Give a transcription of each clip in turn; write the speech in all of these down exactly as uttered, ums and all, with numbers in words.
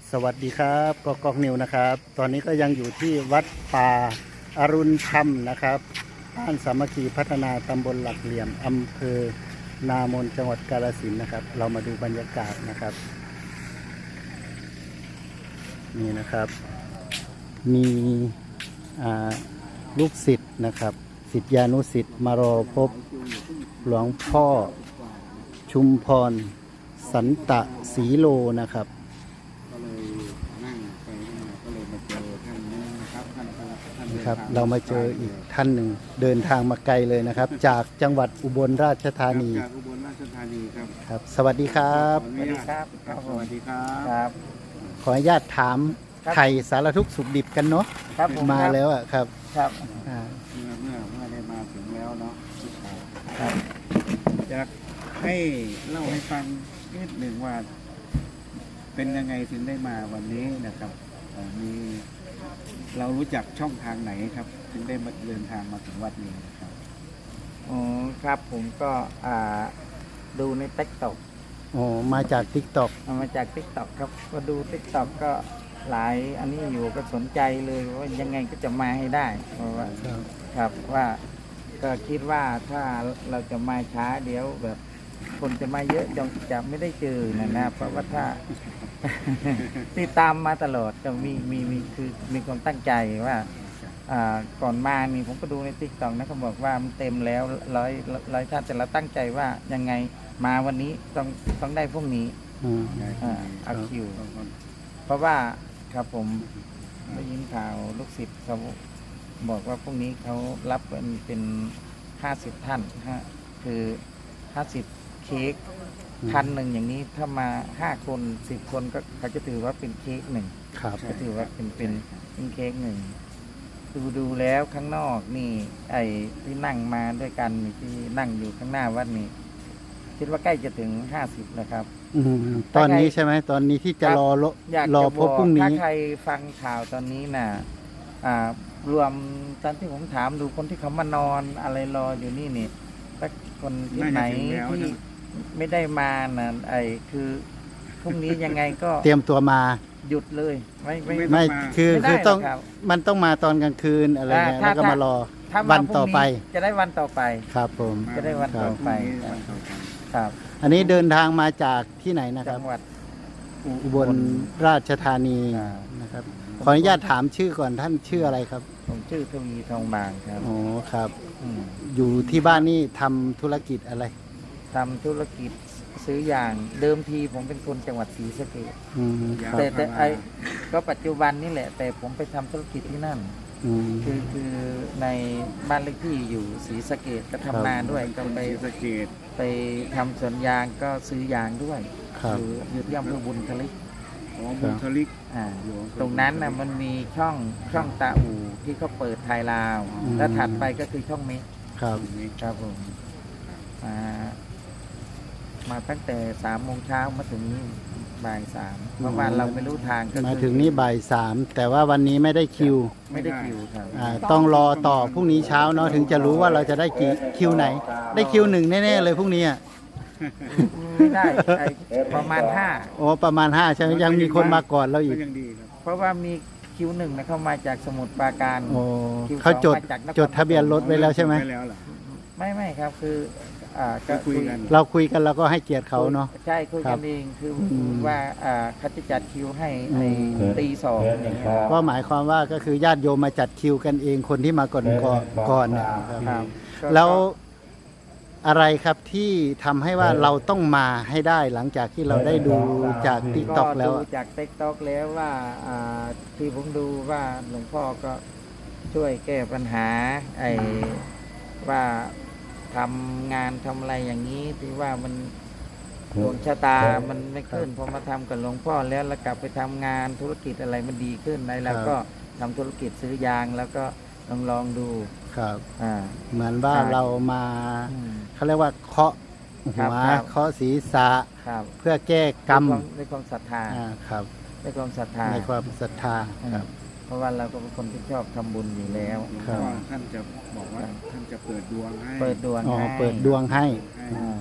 สวัสดีครับกอกกอกนิวนะครับ ตอนนี้ก็ยังอยู่ที่วัดป่าอรุณธรรมนะครับบ้านสามัคคีพัฒนาตำบลหลักเหลี่ยมอำเภอนามนจังหวัดกาฬสินธุ์นะครับ เรามาดูบรรยากาศนะครับนี่นะครับมีลูกศิษย์นะครับศิษยานุศิษย์มารอพบหลวงพ่อชุมพรสันตะศรีโลนะครับก็เลยนั่งไปนั่งมาก็เลยมาเจอท่านนี้นะครับท่านท่านครับเรามาเจออีกท่านหนึ่งเดินทางมาไกลเลยนะครับ จากจังหวัดอุบลราชธานีจากอุบลราชธานีครับครับสวัสดีครับสวัสดีครับครับสวัสดีครับครับขออนุญาตถามไถ่สารทุกข์สุขดิบกันเนาะครับมาแล้วอ่ะครับครับเมื่อเมื่อเมื่อได้มาถึงแล้วเนาะครับอยากให้เล่าให้ฟังนิดหนึ่งว่าเป็นยังไงถึงได้มาวันนี้นะครับมีเรารู้จักช่องทางไหนครับถึงได้มาเดินทางมาถึงวัดนี้ครับอ๋อครับผมก็อ่าดูในติ๊กต็อกอ๋อมาจากติ๊กต็อกมาจากติ๊กต็อกครับก็ดูติ๊กต็อกก็หลายอันนี้อยู่ก็สนใจเลยว่ายังไงก็จะมาให้ได้เพราะว่าครับว่าก็คิดว่าถ้าเราจะมาช้าเดี๋ยวแบบคนจะมาเยอะจะจะไม่ได้เจอนะนะเพราะว่าถ้าติดตามมาตลอดจะมีมีมีคือมีความตั้งใจว่าอ่าก่อนมานี่ผมก็ดูในติ๊กต็อกนะเขาบอกว่ามันเต็มแล้วร้อยร้อยท่านแต่เราตั้งใจว่ายังไงมาวันนี้ต้องต้องได้พวกนี้อ่าเอาคิวเพราะว่าครับผมได้ยินข่าวลูกศิษย์เขาบอกว่าพวกนี้เขารับเป็นเป็นห้าสิบท่านฮะคือห้าสิบเค้กพันหนึ่งอย่างนี้ถ้ามาห้าคนสิบคนก็เขาจะถือว่าเป็นเค้กหนึ่งก็ถือว่าเป็นเป็นเป็นเค้กหนึ่งดูดูแล้วข้างนอกนี่ไอ้ที่นั่งมาด้วยกันที่นั่งอยู่ข้างหน้าวัดนี่คิดว่าใกล้จะถึงห้าสิบแล้วครับตอนนี้ใช่ไหมตอนนี้ที่จะรอรอพบพรุ่งนี้ถ้าใครฟังข่าวตอนนี้น่ะรวมตอนที่ผมถามดูคนที่เขามานอนอะไรรออยู่นี่นี่ถ้าคนที่ไหนที่ไม่ได้มาน่ะไอ้คือพรุ่งนี้ยังไงก็เตรียมตัวมาหยุดเลยไม่ไม่ไม่คือคือต้องมันต้องมาตอนกลางคืนอะไรเงี้ยแล้วก็มารอวันต่อไปจะได้วันต่อไปครับผมจะได้วันต่อไปครับอันนี้เดินทางมาจากที่ไหนนะครับจังหวัดอุบลราชธานีนะครับขออนุญาตถามชื่อก่อนท่านชื่ออะไรครับผมชื่อทวีทองบางครับอ๋อครับอยู่ที่บ้านนี่ทำธุรกิจอะไรทำธุรกิจซื้อยางเดิมทีผมเป็นคนจังหวัดศรีสะเกษแต่แต่ไอก็ปัจจุบันนี่แหละแต่ผมไปทำธุรกิจที่นั่นคือคือในบ้านเลขที่อยู่ศรีสะเกษก็ทำนาด้วยก็ไปสะเกษไปทำสวนยางก็ซื้อยางด้วยอยู่อยู่ที่อำเภอบุญทลิกอ๋อบุญทลิกอ่าตรงนั้นนะมันมีช่องช่องตาอู่ที่เขาเปิดไทยลาวแล้วถัดไปก็คือช่องเมฆครับครับผมมามาตั้งแต่สามโมงเช้ามาถึงนี่บ่ายสามเพราะว่าเราไม่รู้ทางก็มาถึงนี่บ่ายสามแต่ว่าวันนี้ไม่ได้คิวไม่ได้คิวครับต้องรอต่อพรุ่งนี้เช้าเนาะถึงจะรู้ว่าเราจะได้กี่คิวไหนได้คิวหนึ่งแน่ๆเลยพรุ่งนี้ไม่ได้ประมาณห้าโอ้ประมาณห้าใช่ไหมยังมีคนมาก่อนเราอีกเพราะว่ามีคิวหนึ่งนะเข้ามาจากสมุทรปราการโอ้เขาจดจดทะเบียนรถไว้แล้วใช่ไหมไม่ไม่ครับคือคุยกันเราคุยกันเราก็ให้เกียรติเขาเนาะใช่คุยกันเองคือว่าเขาจะจัดคิวให้ในตีสองอย่างเงี้ยก็หมายความว่าก็คือญาติโยมมาจัดคิวกันเองคนที่มาก่อนก่อนนะครับแล้วอะไรครับที่ทำให้ว่าเราต้องมาให้ได้หลังจากที่เราได้ดูจากติ๊กต็อกแล้วจากติ๊กต็อกแล้วว่าที่ผมดูว่าหลวงพ่อก็ช่วยแก้ปัญหาไอ้ว่าทำงานทำอะไรอย่างนี้ที่ว่ามันดวงชะตามันไม่ขึ้นพอมาทำกับหลวงพ่อแล้วแล้วกลับไปทำงานธุรกิจอะไรมันดีขึ้นในแล้วก็ทำธุรกิจซื้อยางแล้วก็ลองลองดูครับอ่าเหมือนว่าเรามาเขาเรียกว่าเคาะหัวเคาะศีรษะเพื่อแก้กรรมในความศรัทธาครับในความศรัทธาในความศรัทธาครับเพราะว่าเราก็เป็นคนที่ชอบทำบุญอยู่แล้วท่านจะบอกว่าท่านจะเปิดดวงให้เปิดดวงให้เปิดดวงให้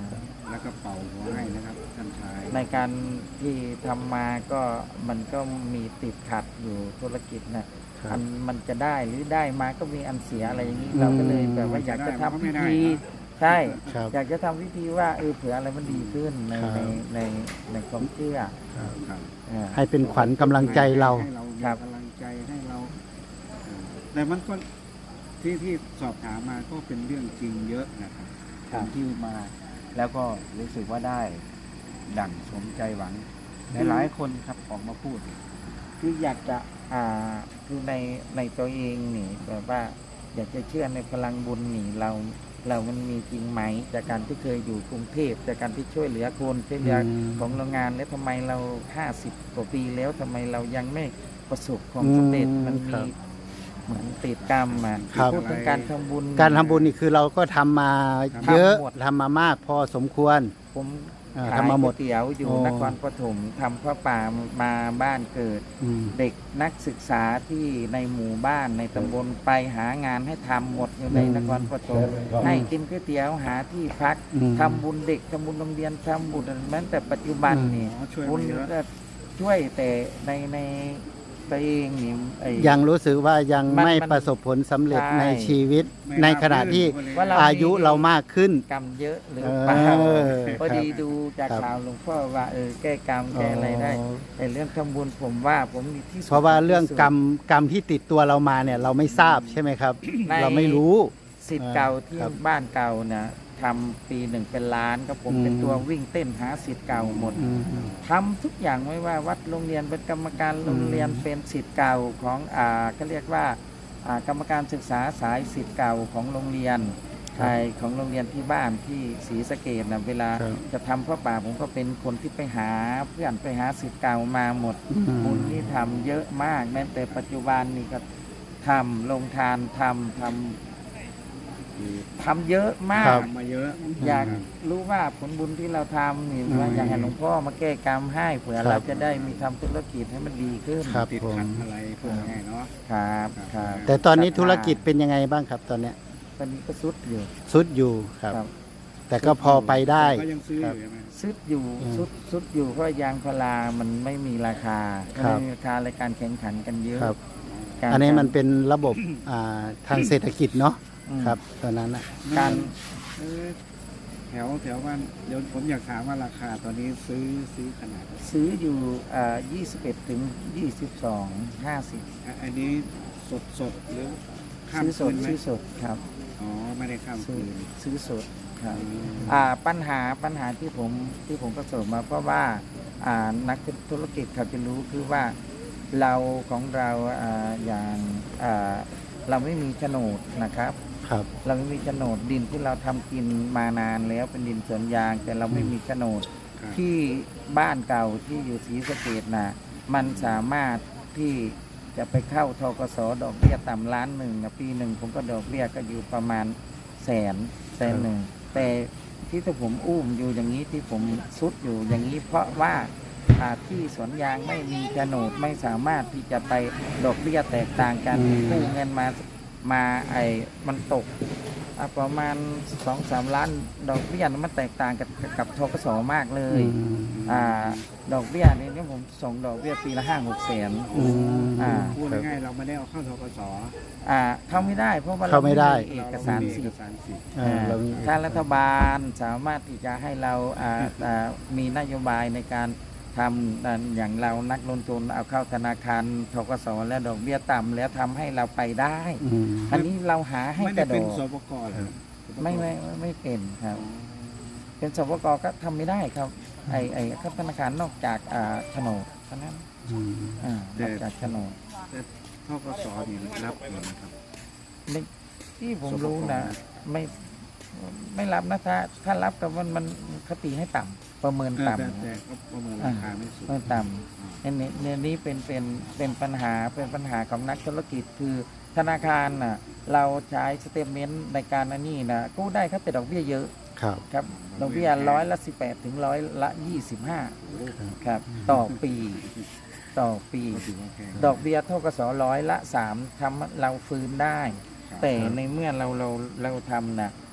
แล้วก็เป่าหัวให้นะครับท่านชายในการที่ทำมาก็มันก็มีติดขัดอยู่ธุรกิจนะอันมันจะได้หรือได้มาก็มีอันเสียอะไรอย่างนี้เราก็เลยแบบว่าอยากจะทำพิธีใช่ครับอยากจะทำพิธีว่าเออเผื่ออะไรมันดีขึ้นในครับในในในความเชื่อครับครับเออให้เป็นขวัญกำลังใจเราให้เรามีครับกำลังใจให้เราเอ่อแต่มันก็ที่ที่สอบถามมาก็เป็นเรื่องจริงเยอะนะครับคนที่มา แล้วก็รู้สึกว่าได้ดั่งสมใจหวังหลายๆคนครับออกมาพูดคืออยากจะอ่าคือในในตัวเองนี่แบบว่าอยากจะเชื่อในพลังบุญนี่เราเรามันมีจริงไหมจากการที่เคยอยู่กรุงเทพจากการที่ช่วยเหลือคนช่วยเหลืออืมของโรงงานแล้วทำไมเราห้าสิบกว่าปีแล้วทำไมเรายังไม่ประสบความสำเร็จอืมมันครัมีบเหมือนติดกรรมมาครับพูดถึงการทำบุญการทำบุญนี่คือเราก็ทำมาเยอะทำหมดทำมามากพอสมควรผมอ่าขายทำมาหมดก๋วยเตี๋ยวอยู่โอ้นครปฐมทำข้าวป่ามาบ้านเกิดอืมเด็กนักศึกษาที่ในหมู่บ้านในตำบลไปหางานให้ทำหมดอยู่ในอืมนครปฐมให้กินก๋วยเตี๋ยวหาที่พักอืมทำบุญเด็กทำบุญโรงเรียนทำบุญแม้แต่ปัจจุบันนี่อ๋อช่วยบุญมาเยอะก็ช่วยแต่ในในตัวเองนี่ไอ้ยังรู้สึกว่ายังมันไม่มันประสบผลสำเร็จใช่ในชีวิตไม่ในราบขณะที่รื่นว่าเราอายุเรามากขึ้นกรรมเยอะหรือเออเปล่าครับพอดีดูจากครับข่าวหลวงพ่อว่าเออแก้กรรมแก้อะไรได้อ๋อแต่เรื่องทำบุญผมว่าผมมีที่สุดเพราะว่าเรื่องที่สุดกรรมกรรมที่ติดตัวเรามาเนี่ยเราไม่ทราบใช่ไหมครับในเราไม่รู้สิทธิ์เก่าที่ครับบ้านเก่านะทำปีหนึ่งเป็นล้านก็ผมอืมเป็นตัววิ่งเต้นหาสิทธิ์เก่าหมดอืมทำทุกอย่างไม่ว่าวัดโรงเรียนเป็นกรรมการโรงเรียนเป็นสิทธิ์เก่าของอ่าก็เรียกว่าอ่ากรรมการศึกษาสายสิทธิ์เก่าของโรงเรียนครับไทยของโรงเรียนที่บ้านที่ศรีสะเกษนะเวลาครับจะทำพระป่าผมก็เป็นคนที่ไปหาเพื่อนไปหาสิทธิ์เก่ามาหมดอืมบุญนี่ทำเยอะมากแม้แต่ปัจจุบันนี่ก็ทำลงทานทำทำทำเยอะมาครักบทำมาเยอะอยากรู้ว่าผลบุญที่เราทำนี่อืมว่าอยากให้หลวงพ่อมาแก้กรรมให้เผื่อครับเราจะได้มีทำธุรกิจให้มันดีขึ้นครับติดผมขัดอะไรพวกนี้เนาะครับครับแต่ตอนนี้ธุรกิจเป็นยังไงบ้างครับ ตอนเนี้ยตอนนี้ก็ซุดอยู่สุดอยู่ครับครับแต่ก็พอไปได้ก็ยังซื้ออยู่ใช่ไหมซุดอยู่อืมซุดซุดอยู่เพราะยางพารามันไม่มีราคาครับไม่มีราคาในการแข่งขันกันเยอะครับการอันนี้มันเป็นระบบอ่าทางเศรษฐกิจเนาะอืมครับตอนนั้นนะการเออแถวแถวบ้านเดี๋ยวผมอยากถามว่าราคาตอนนี้ซื้อซื้อขนาดไหนซื้ออยู่อ่ายี่สิบเอ็ดถึงยี่สิบสองห้าสิบอ่ะอันนี้สดสดหรือข้ามซื้อสคืดนไหมซื้อสดครับอ๋อไม่ได้ข้ามซื้อคืนซื้อสดครับอืมอ่าปัญหาปัญหาที่ผมที่ผมประสบมาเพราะว่าอ่านักธุรกิจเขาจะรู้คือว่าเราของเราอ่าอย่างอ่าเราไม่มีโฉนดนะครับครับเราไม่มีโฉนดดินที่เราทำกินมานานแล้วเป็นดินสวนยาง แต่เราไม่มีโฉนดครับที่บ้านเก่าที่อยู่ศรีสะเกษนะมันสามารถที่จะไปเข้าทกสดอกเบี้ยต่ำล้านหนึ่งนะปีหนึ่งผมก็ดอกเบี้ยก็อยู่ประมาณแสนแสนหนึ่งแต่ที่ถ้าผมอุ้มอยู่อย่างนี้ที่ผมซุดอยู่อย่างนี้ เพราะว่าอ่าที่สวนยางไม่มีโฉนดไม่สามารถที่จะไปดอกเบี้ยแตกต่างกันอืมกู้เงินมามาไอ้มันตกอ่ะประมาณสองสามล้านดอกเบี้ยมันแตกต่างกับกับทกสมากเลยอืมอ่าดอกเบี้ยนี่เนี่ยผมส่งดอกเบี้ยปีละห้าหกแสนอืมอ่าพูดง่ายๆเราไม่ได้เอาเข้าทกสอ่าเข้าไม่ได้เพราะว่าเข้าไม่ได้เอกสารสิทเอธิ์กสารสิทธิ์อ่าเรามีถ้ารัฐบาลสามารถที่จะให้เราอ่าอ่ามีนโยบายในการทำอ่าอย่างเรานักลงทุนเอาเข้าธนาคารทกสและดอกเบี้ยต่ำแล้วทำให้เราไปได้อืมอันนี้เราหาให้ไม่กได้ระโดเป็นดสปกเหรอไม่ไม่ไม่ไม่เป็นครับ เป็นสปกก็ทำไม่ได้ครับ ไอไอครับธนาคารนอกจากอ่าโฉนดเท่านั้นอืมอ่านอกจากโฉนดแต่ทกสนี่รับเหมือนครับในที่ผมรู้นะไม่ไม่รับนะถ้าถ้ารับแต่มันมันคติให้ต่ำประเมินเออต่ำแต่แต่ก็ประเมินราคาไม่สูงประเมินต่ำอันนี้เนี่ยนี้เป็นเป็นเป็นปัญหาเป็นปัญหาของนักธุรกิจคือธนาคารน่ะเราใช้สเตทเมนต์ในการอันนี้นะกู้ได้ครับแต่ดอกเบี้ยเยอะครับครับดอกเบี้ยร้อยละสิบแปดถึงร้อยละยี่สิบห้าครับต่อปีต่อปีก็ถือว่าแพงดอกเบี้ยเท่ากับสอร้อยละสามทำให้เราฟื้นได้ครับแต่ในเมื่อเราเราเราทำนะ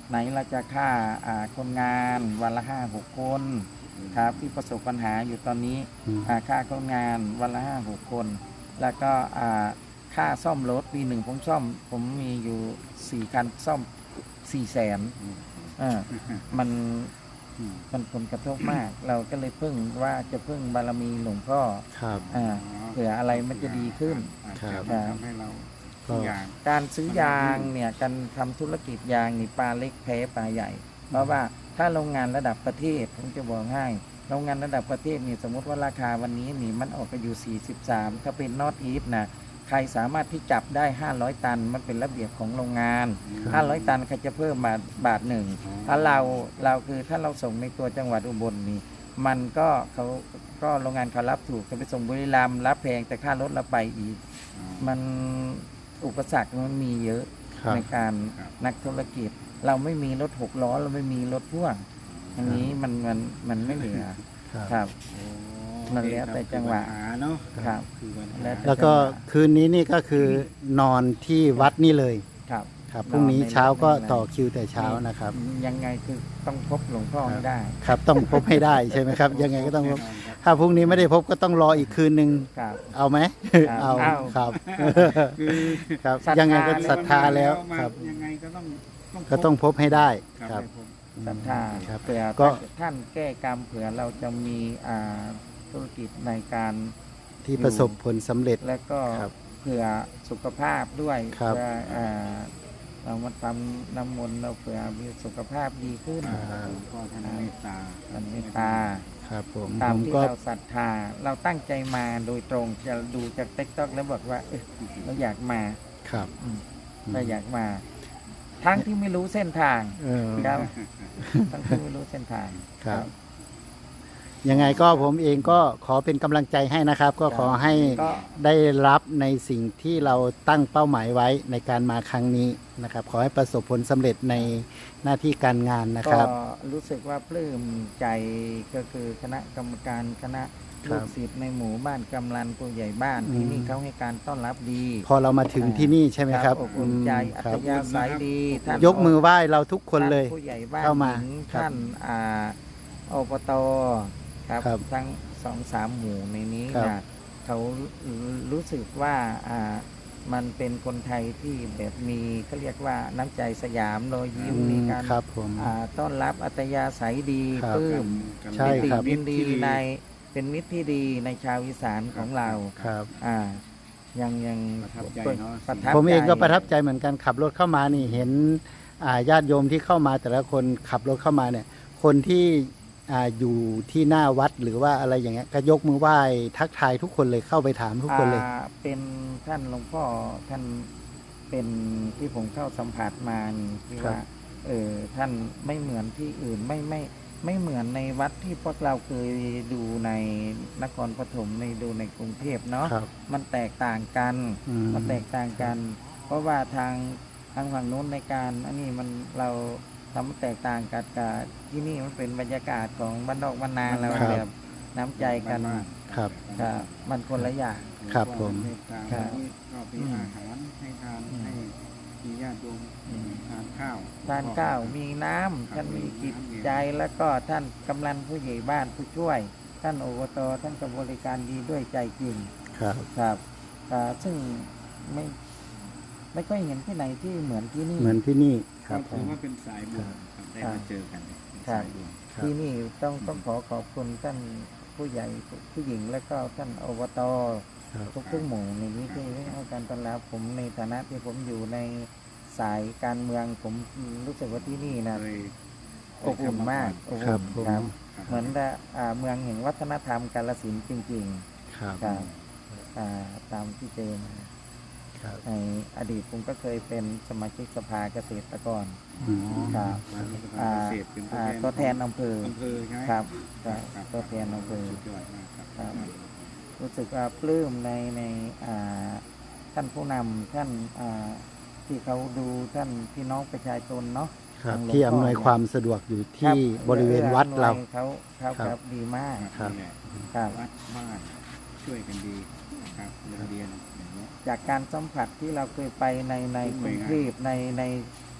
ไหนเราจะค่าอ่าคนงานวันละห้าหกคนครับที่ประสบปัญหาอยู่ตอนนี้อืมอ่าค่าคนงานวันละห้าหกคน แล้วก็อ่าค่าซ่อมรถปีหนึ่งผมซ่อม ผมมีอยู่สี่คันซ่อมสี่แสนเออมันอืมมันผลกระทบมาก เราก็เลยพึ่งว่าจะพึ่งบารมีหลวงพ่อครับอ่าเผื่ออะไรมันจะดีขึ้นครับครับทำให้เราก็ทุกอย่างการซื้อยางเนี่ยการทำธุรกิจยางนี่ปลาเล็กแพ้ปลาใหญ่ เพราะว่าถ้าโรงงานระดับประเทศผมจะบอกให้โรงงานระดับประเทศนี่สมมติว่าราคาวันนี้นี่มันออกไปอยู่สี่สิบสามถ้าเป็นนอตอีฟนะใครสามารถที่จับได้ห้าร้อยตันมันเป็นระเบียบของโรงงาน ห้าร้อยตันเขาจะเพิ่มมาบาทหนึ่งถ้าเราเราคือถ้าเราส่งในตัวจังหวัดอุบลนี่มันก็เขาก็โรงงานเขารับถูกจะไปส่งบุรีรัมย์รับแพงแต่ค่ารถเราไปอีก มันอุปสรรคมันมีเยอะครับในการครับนักธุรกิจ เราไม่มีรถหกล้อเราไม่มีรถพ่วงอันนี้มันมันมันไม่เหลือครับครับโอ้มันแล้วแต่จังหวะคือปัญหาเนาะครับคือปัญหาแล้วแต่แล้วก็คืนนี้นี่ก็คือนอนที่วัดนี่เลยครับครับพรุ่งนี้เช้าก็ต่อคิวแต่เช้านะครับยังไงคือต้องพบหลวงพ่อให้ได้ครับต้องพบให้ได้ใช่ไหมครับ ยังไงก็ต้องพบแน่นอนครับถ้าพรุ่งนี้ไม่ได้พบก็ต้องรออีกคืนหนึ่งครับเอาไหมครับเอาเอาครับคือครับศรัทธายังไงก็ศรัทธาแล้วมาครับยังไงก็ต้องก็ต้องพบให้ได้ครับครับให้พบศรัทธาครับเผื่อก็ท่านแก้กรรมเผื่อเราจะมีอ่าธุรกิจในการที่ประสบผลสำเร็จและก็ครับเผื่อสุขภาพด้วยครับเพื่ออ่าเรามาทำน้ำมนต์เราเผื่อมีสุขภาพดีขึ้นอ่าหลวงพ่อท่านเมตตาท่านเมตตาครับผมตาผม มที่ก็เราศรัทธา เราตั้งใจมาโดยตรงจะดูจากติ๊กต็อกแล้วบอกว่าเออเราอยากมาครับอืมเราอยากมา ทั้งที่ไม่รู้เส้นทางเออครับทั้งที่ไม่รู้เส้นทางครับ ยังไงก็ผมเองก็ขอเป็นกำลังใจให้นะครับ ก็ขอให้ก็ได้รับในสิ่งที่เราตั้งเป้าหมายไว้ในการมาครั้งนี้นะครับ ขอให้ประสบผลสำเร็จในหน้าที่การงานนะคก็รับรู้สึกว่าปลื้มใจก็คือคณะกรรมการคณะครัลูบกศิษย์ในหมู่บ้านกำลันผู้ใหญ่บ้านอืมที่นี่เขาให้การต้อนรับดีพอเรามาถึงที่นี่ใช่ไหมครับอบอุ่นใจอืมอัครัธบยาศัยดีท่านยกมือไหว้เราทุกคนเลยท่าผู้ใหญ่บ้านเข้ามาหญิงครับท่านอ่าอบตครับครับทั้งสองสามหมู่ในนี้ครับนะเขารู้สึกว่าอ่ามันเป็นคนไทยที่แบบมีเขาเรียกว่าน้ำใจสยามรอยยิ้มอืมีมการครับผมอ่าต้อนรับอัตยาศัยดีครับปลื้มใช่ปิติครับยินดีในเป็นมิตรที่ดีในชาวอีสานของเราครับอ่ายังยังประทับใจเนอะประทับผมเองก็ใจประทับใจเหมือนกันขับรถเข้ามานี่เห็นอ่าญาติโยมที่เข้ามาแต่ละคนขับรถเข้ามาเนี่ย คนที่อ่าอยู่ที่หน้าวัดหรือว่าอะไรอย่างเงี้ยก็ยกมือไหว้ทักทายทุกคนเลยเข้าไปถามทุกคนเลยอ่าเป็นท่านหลวงพ่อท่านเป็นที่ผมเข้าสัมผัสมานี่ที่ครับว่าเออท่านไม่เหมือนที่อื่นไม่ไม่ไม่เหมือนในวัดที่พวกเราเคยดูในนครปฐมในดูในกรุงเทพเนาะครับมันแตกต่างกันอืมมันแตกต่างกัน เพราะว่าทางทางฝั่งนู้นในการอันนี้มันเราทำมันแตกต่างกันกับที่นี่มันเป็นบรรยากาศของบ้านนอกบ้านนาเราครับแบบน้ำใจกันครับครับมันคนละอย่างครับผมเมตตาครับนี่ก็มีอืมอาหารให้ทานอืมให้มีญาติโยมทานข้าวทานข้าวมีน้ำท่านมีจิตใจแล้วก็ท่านกำลังผู้ใหญ่บ้านผู้ช่วย ท่านอบตท่านก็บริการดีด้วยใจจริงครับครับอ่าซึ่งไม่ไม่ค่อยเห็นที่ไหนที่เหมือนที่นี่เหมือนที่นี่คก็รับผถือมว่าเป็นสายบุญครับได้ครับมาเจอกันเป็นครับสายบุญครับที่นี่ต้องต้องขอขอบคุณท่านผู้ใหญ่ผู้หญิงและก็ท่านอบตครับทุกทุกๆหมู่ในนี้ที่ให้การต้อนรับผมในฐานะที่ผมอยู่ในสายการเมืองผมรู้สึกว่าที่นี่นะเลยอบอุ่นมากอบครัอุ่บนผมครับครับเหมือนกับอ่าเมืองแห่งวัฒนธรรมกาลสินธุ์จริงครับๆครับอ่าตามที่เจอมาครับในอดีตผมก็เคยเป็นสมาชิกสภาเกษตรกรอืมครับมาที่สภาอ่าเกษตรเป็นอ่าตัวแทนอำเภออำเภอใช่ไหมครับคครัรับบครับตัวแทนอำเภอสุดยอดมากครับครับ รู้สึกว่าปลื้มในในอ่าท่านผู้นำท่านอ่าที่เขาดูท่านพี่น้องประชาชนเนาะครับทางหลวงที่อำนวยพ่อเนี่ยความสะดวกอยู่คที่บบริเวณวัดเราเขาเขาครับครับดีมากครับนี่แหละครับวัดบ้านช่วยกันดีนะครับโรงเรียนอย่างเงี้ยจากการสัมผัสที่เราเคยไปในในกรุงเทพในใน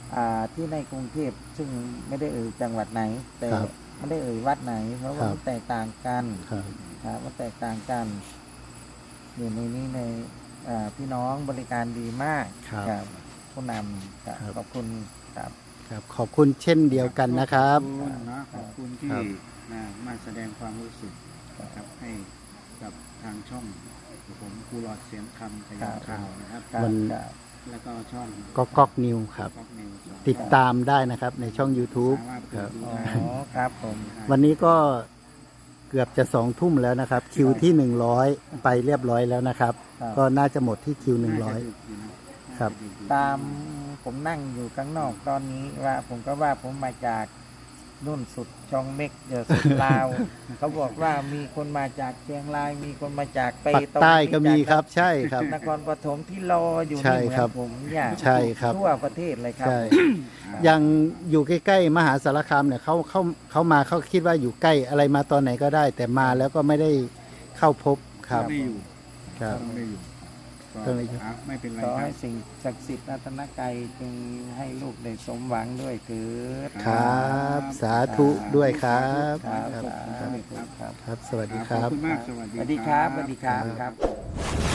อ่าที่ในกรุงเทพซึ่งไม่ได้เอ่ยจังหวัดไหน แต่ครับไม่ได้เอ่ยวัดไหน เพราะว่าครับมันแตกต่างกันครับครับมันแตกต่างกันอยู่ในนี้ในอ่าพี่น้องบริการดีมากครับผู้นำครับครับขอบคุณครับครับขอบคุณเช่นเดียวกันนะครับขอบคุณนะขอบคุณที่ครับมามาแสดงความรู้สึกนะครับให้กับทางช่องผมครูหลอดเสียงคำขยายข่าวนะครับครับมันครับแล้วก็ช่องก็ก๊อกนิวครับก๊อกนิวส์ติดตามได้นะครับในช่อง YouTube สามารถคเปิรัดบดูอ๋อได้ครับผมวันนี้ก็เกือบจะสองทุ่มแล้วนะครับ คิวที่หนึ่งร้อยไปเรียบร้อยแล้วนะครับครับก็น่าจะหมดที่คิวหนึ่งร้อยาจะดึกอยู่นะครับน่าจะดึกอยู่ตามผมนั่งอยู่ข้างนอกตอนนี้ว่าผมก็ว่าผมมาจากนุ่นสุดช่องเม็กเดอสุดลาว เขาบอกว่ามีคนมาจากเชียงราย มีคนมาจากเปปักตงใต้ก็มีจากครับใช่ครับนครปฐมที่รออยู่ใช่นี่เหมือครับนผมเนี่ยใช่ครับทั่วประเทศเลยครับใช่ ยังอยู่ใกล้ๆมหาสารคามเนี่ยเขาเขาเขามาเขาคิดว่าอยู่ใกล้อะไรมาตอนไหนก็ได้ แต่มาแล้วก็ไม่ได้เข้าพบครับไม่อยู่ครับต้องไม่อยู่ต้องไม่อยู่อ่ะไม่เป็นไรขอครัให้บสิ่งศักดิ์สิทธิ์รัตนกายจึงให้ลูกได้สมหวังด้วยเถิดครับ สาธุด้วยครับครับครับครับครับครับ สวัสดีคขอรับบ คุณมากสวัสสดีวัสดีครับบสวัสดีครับครับ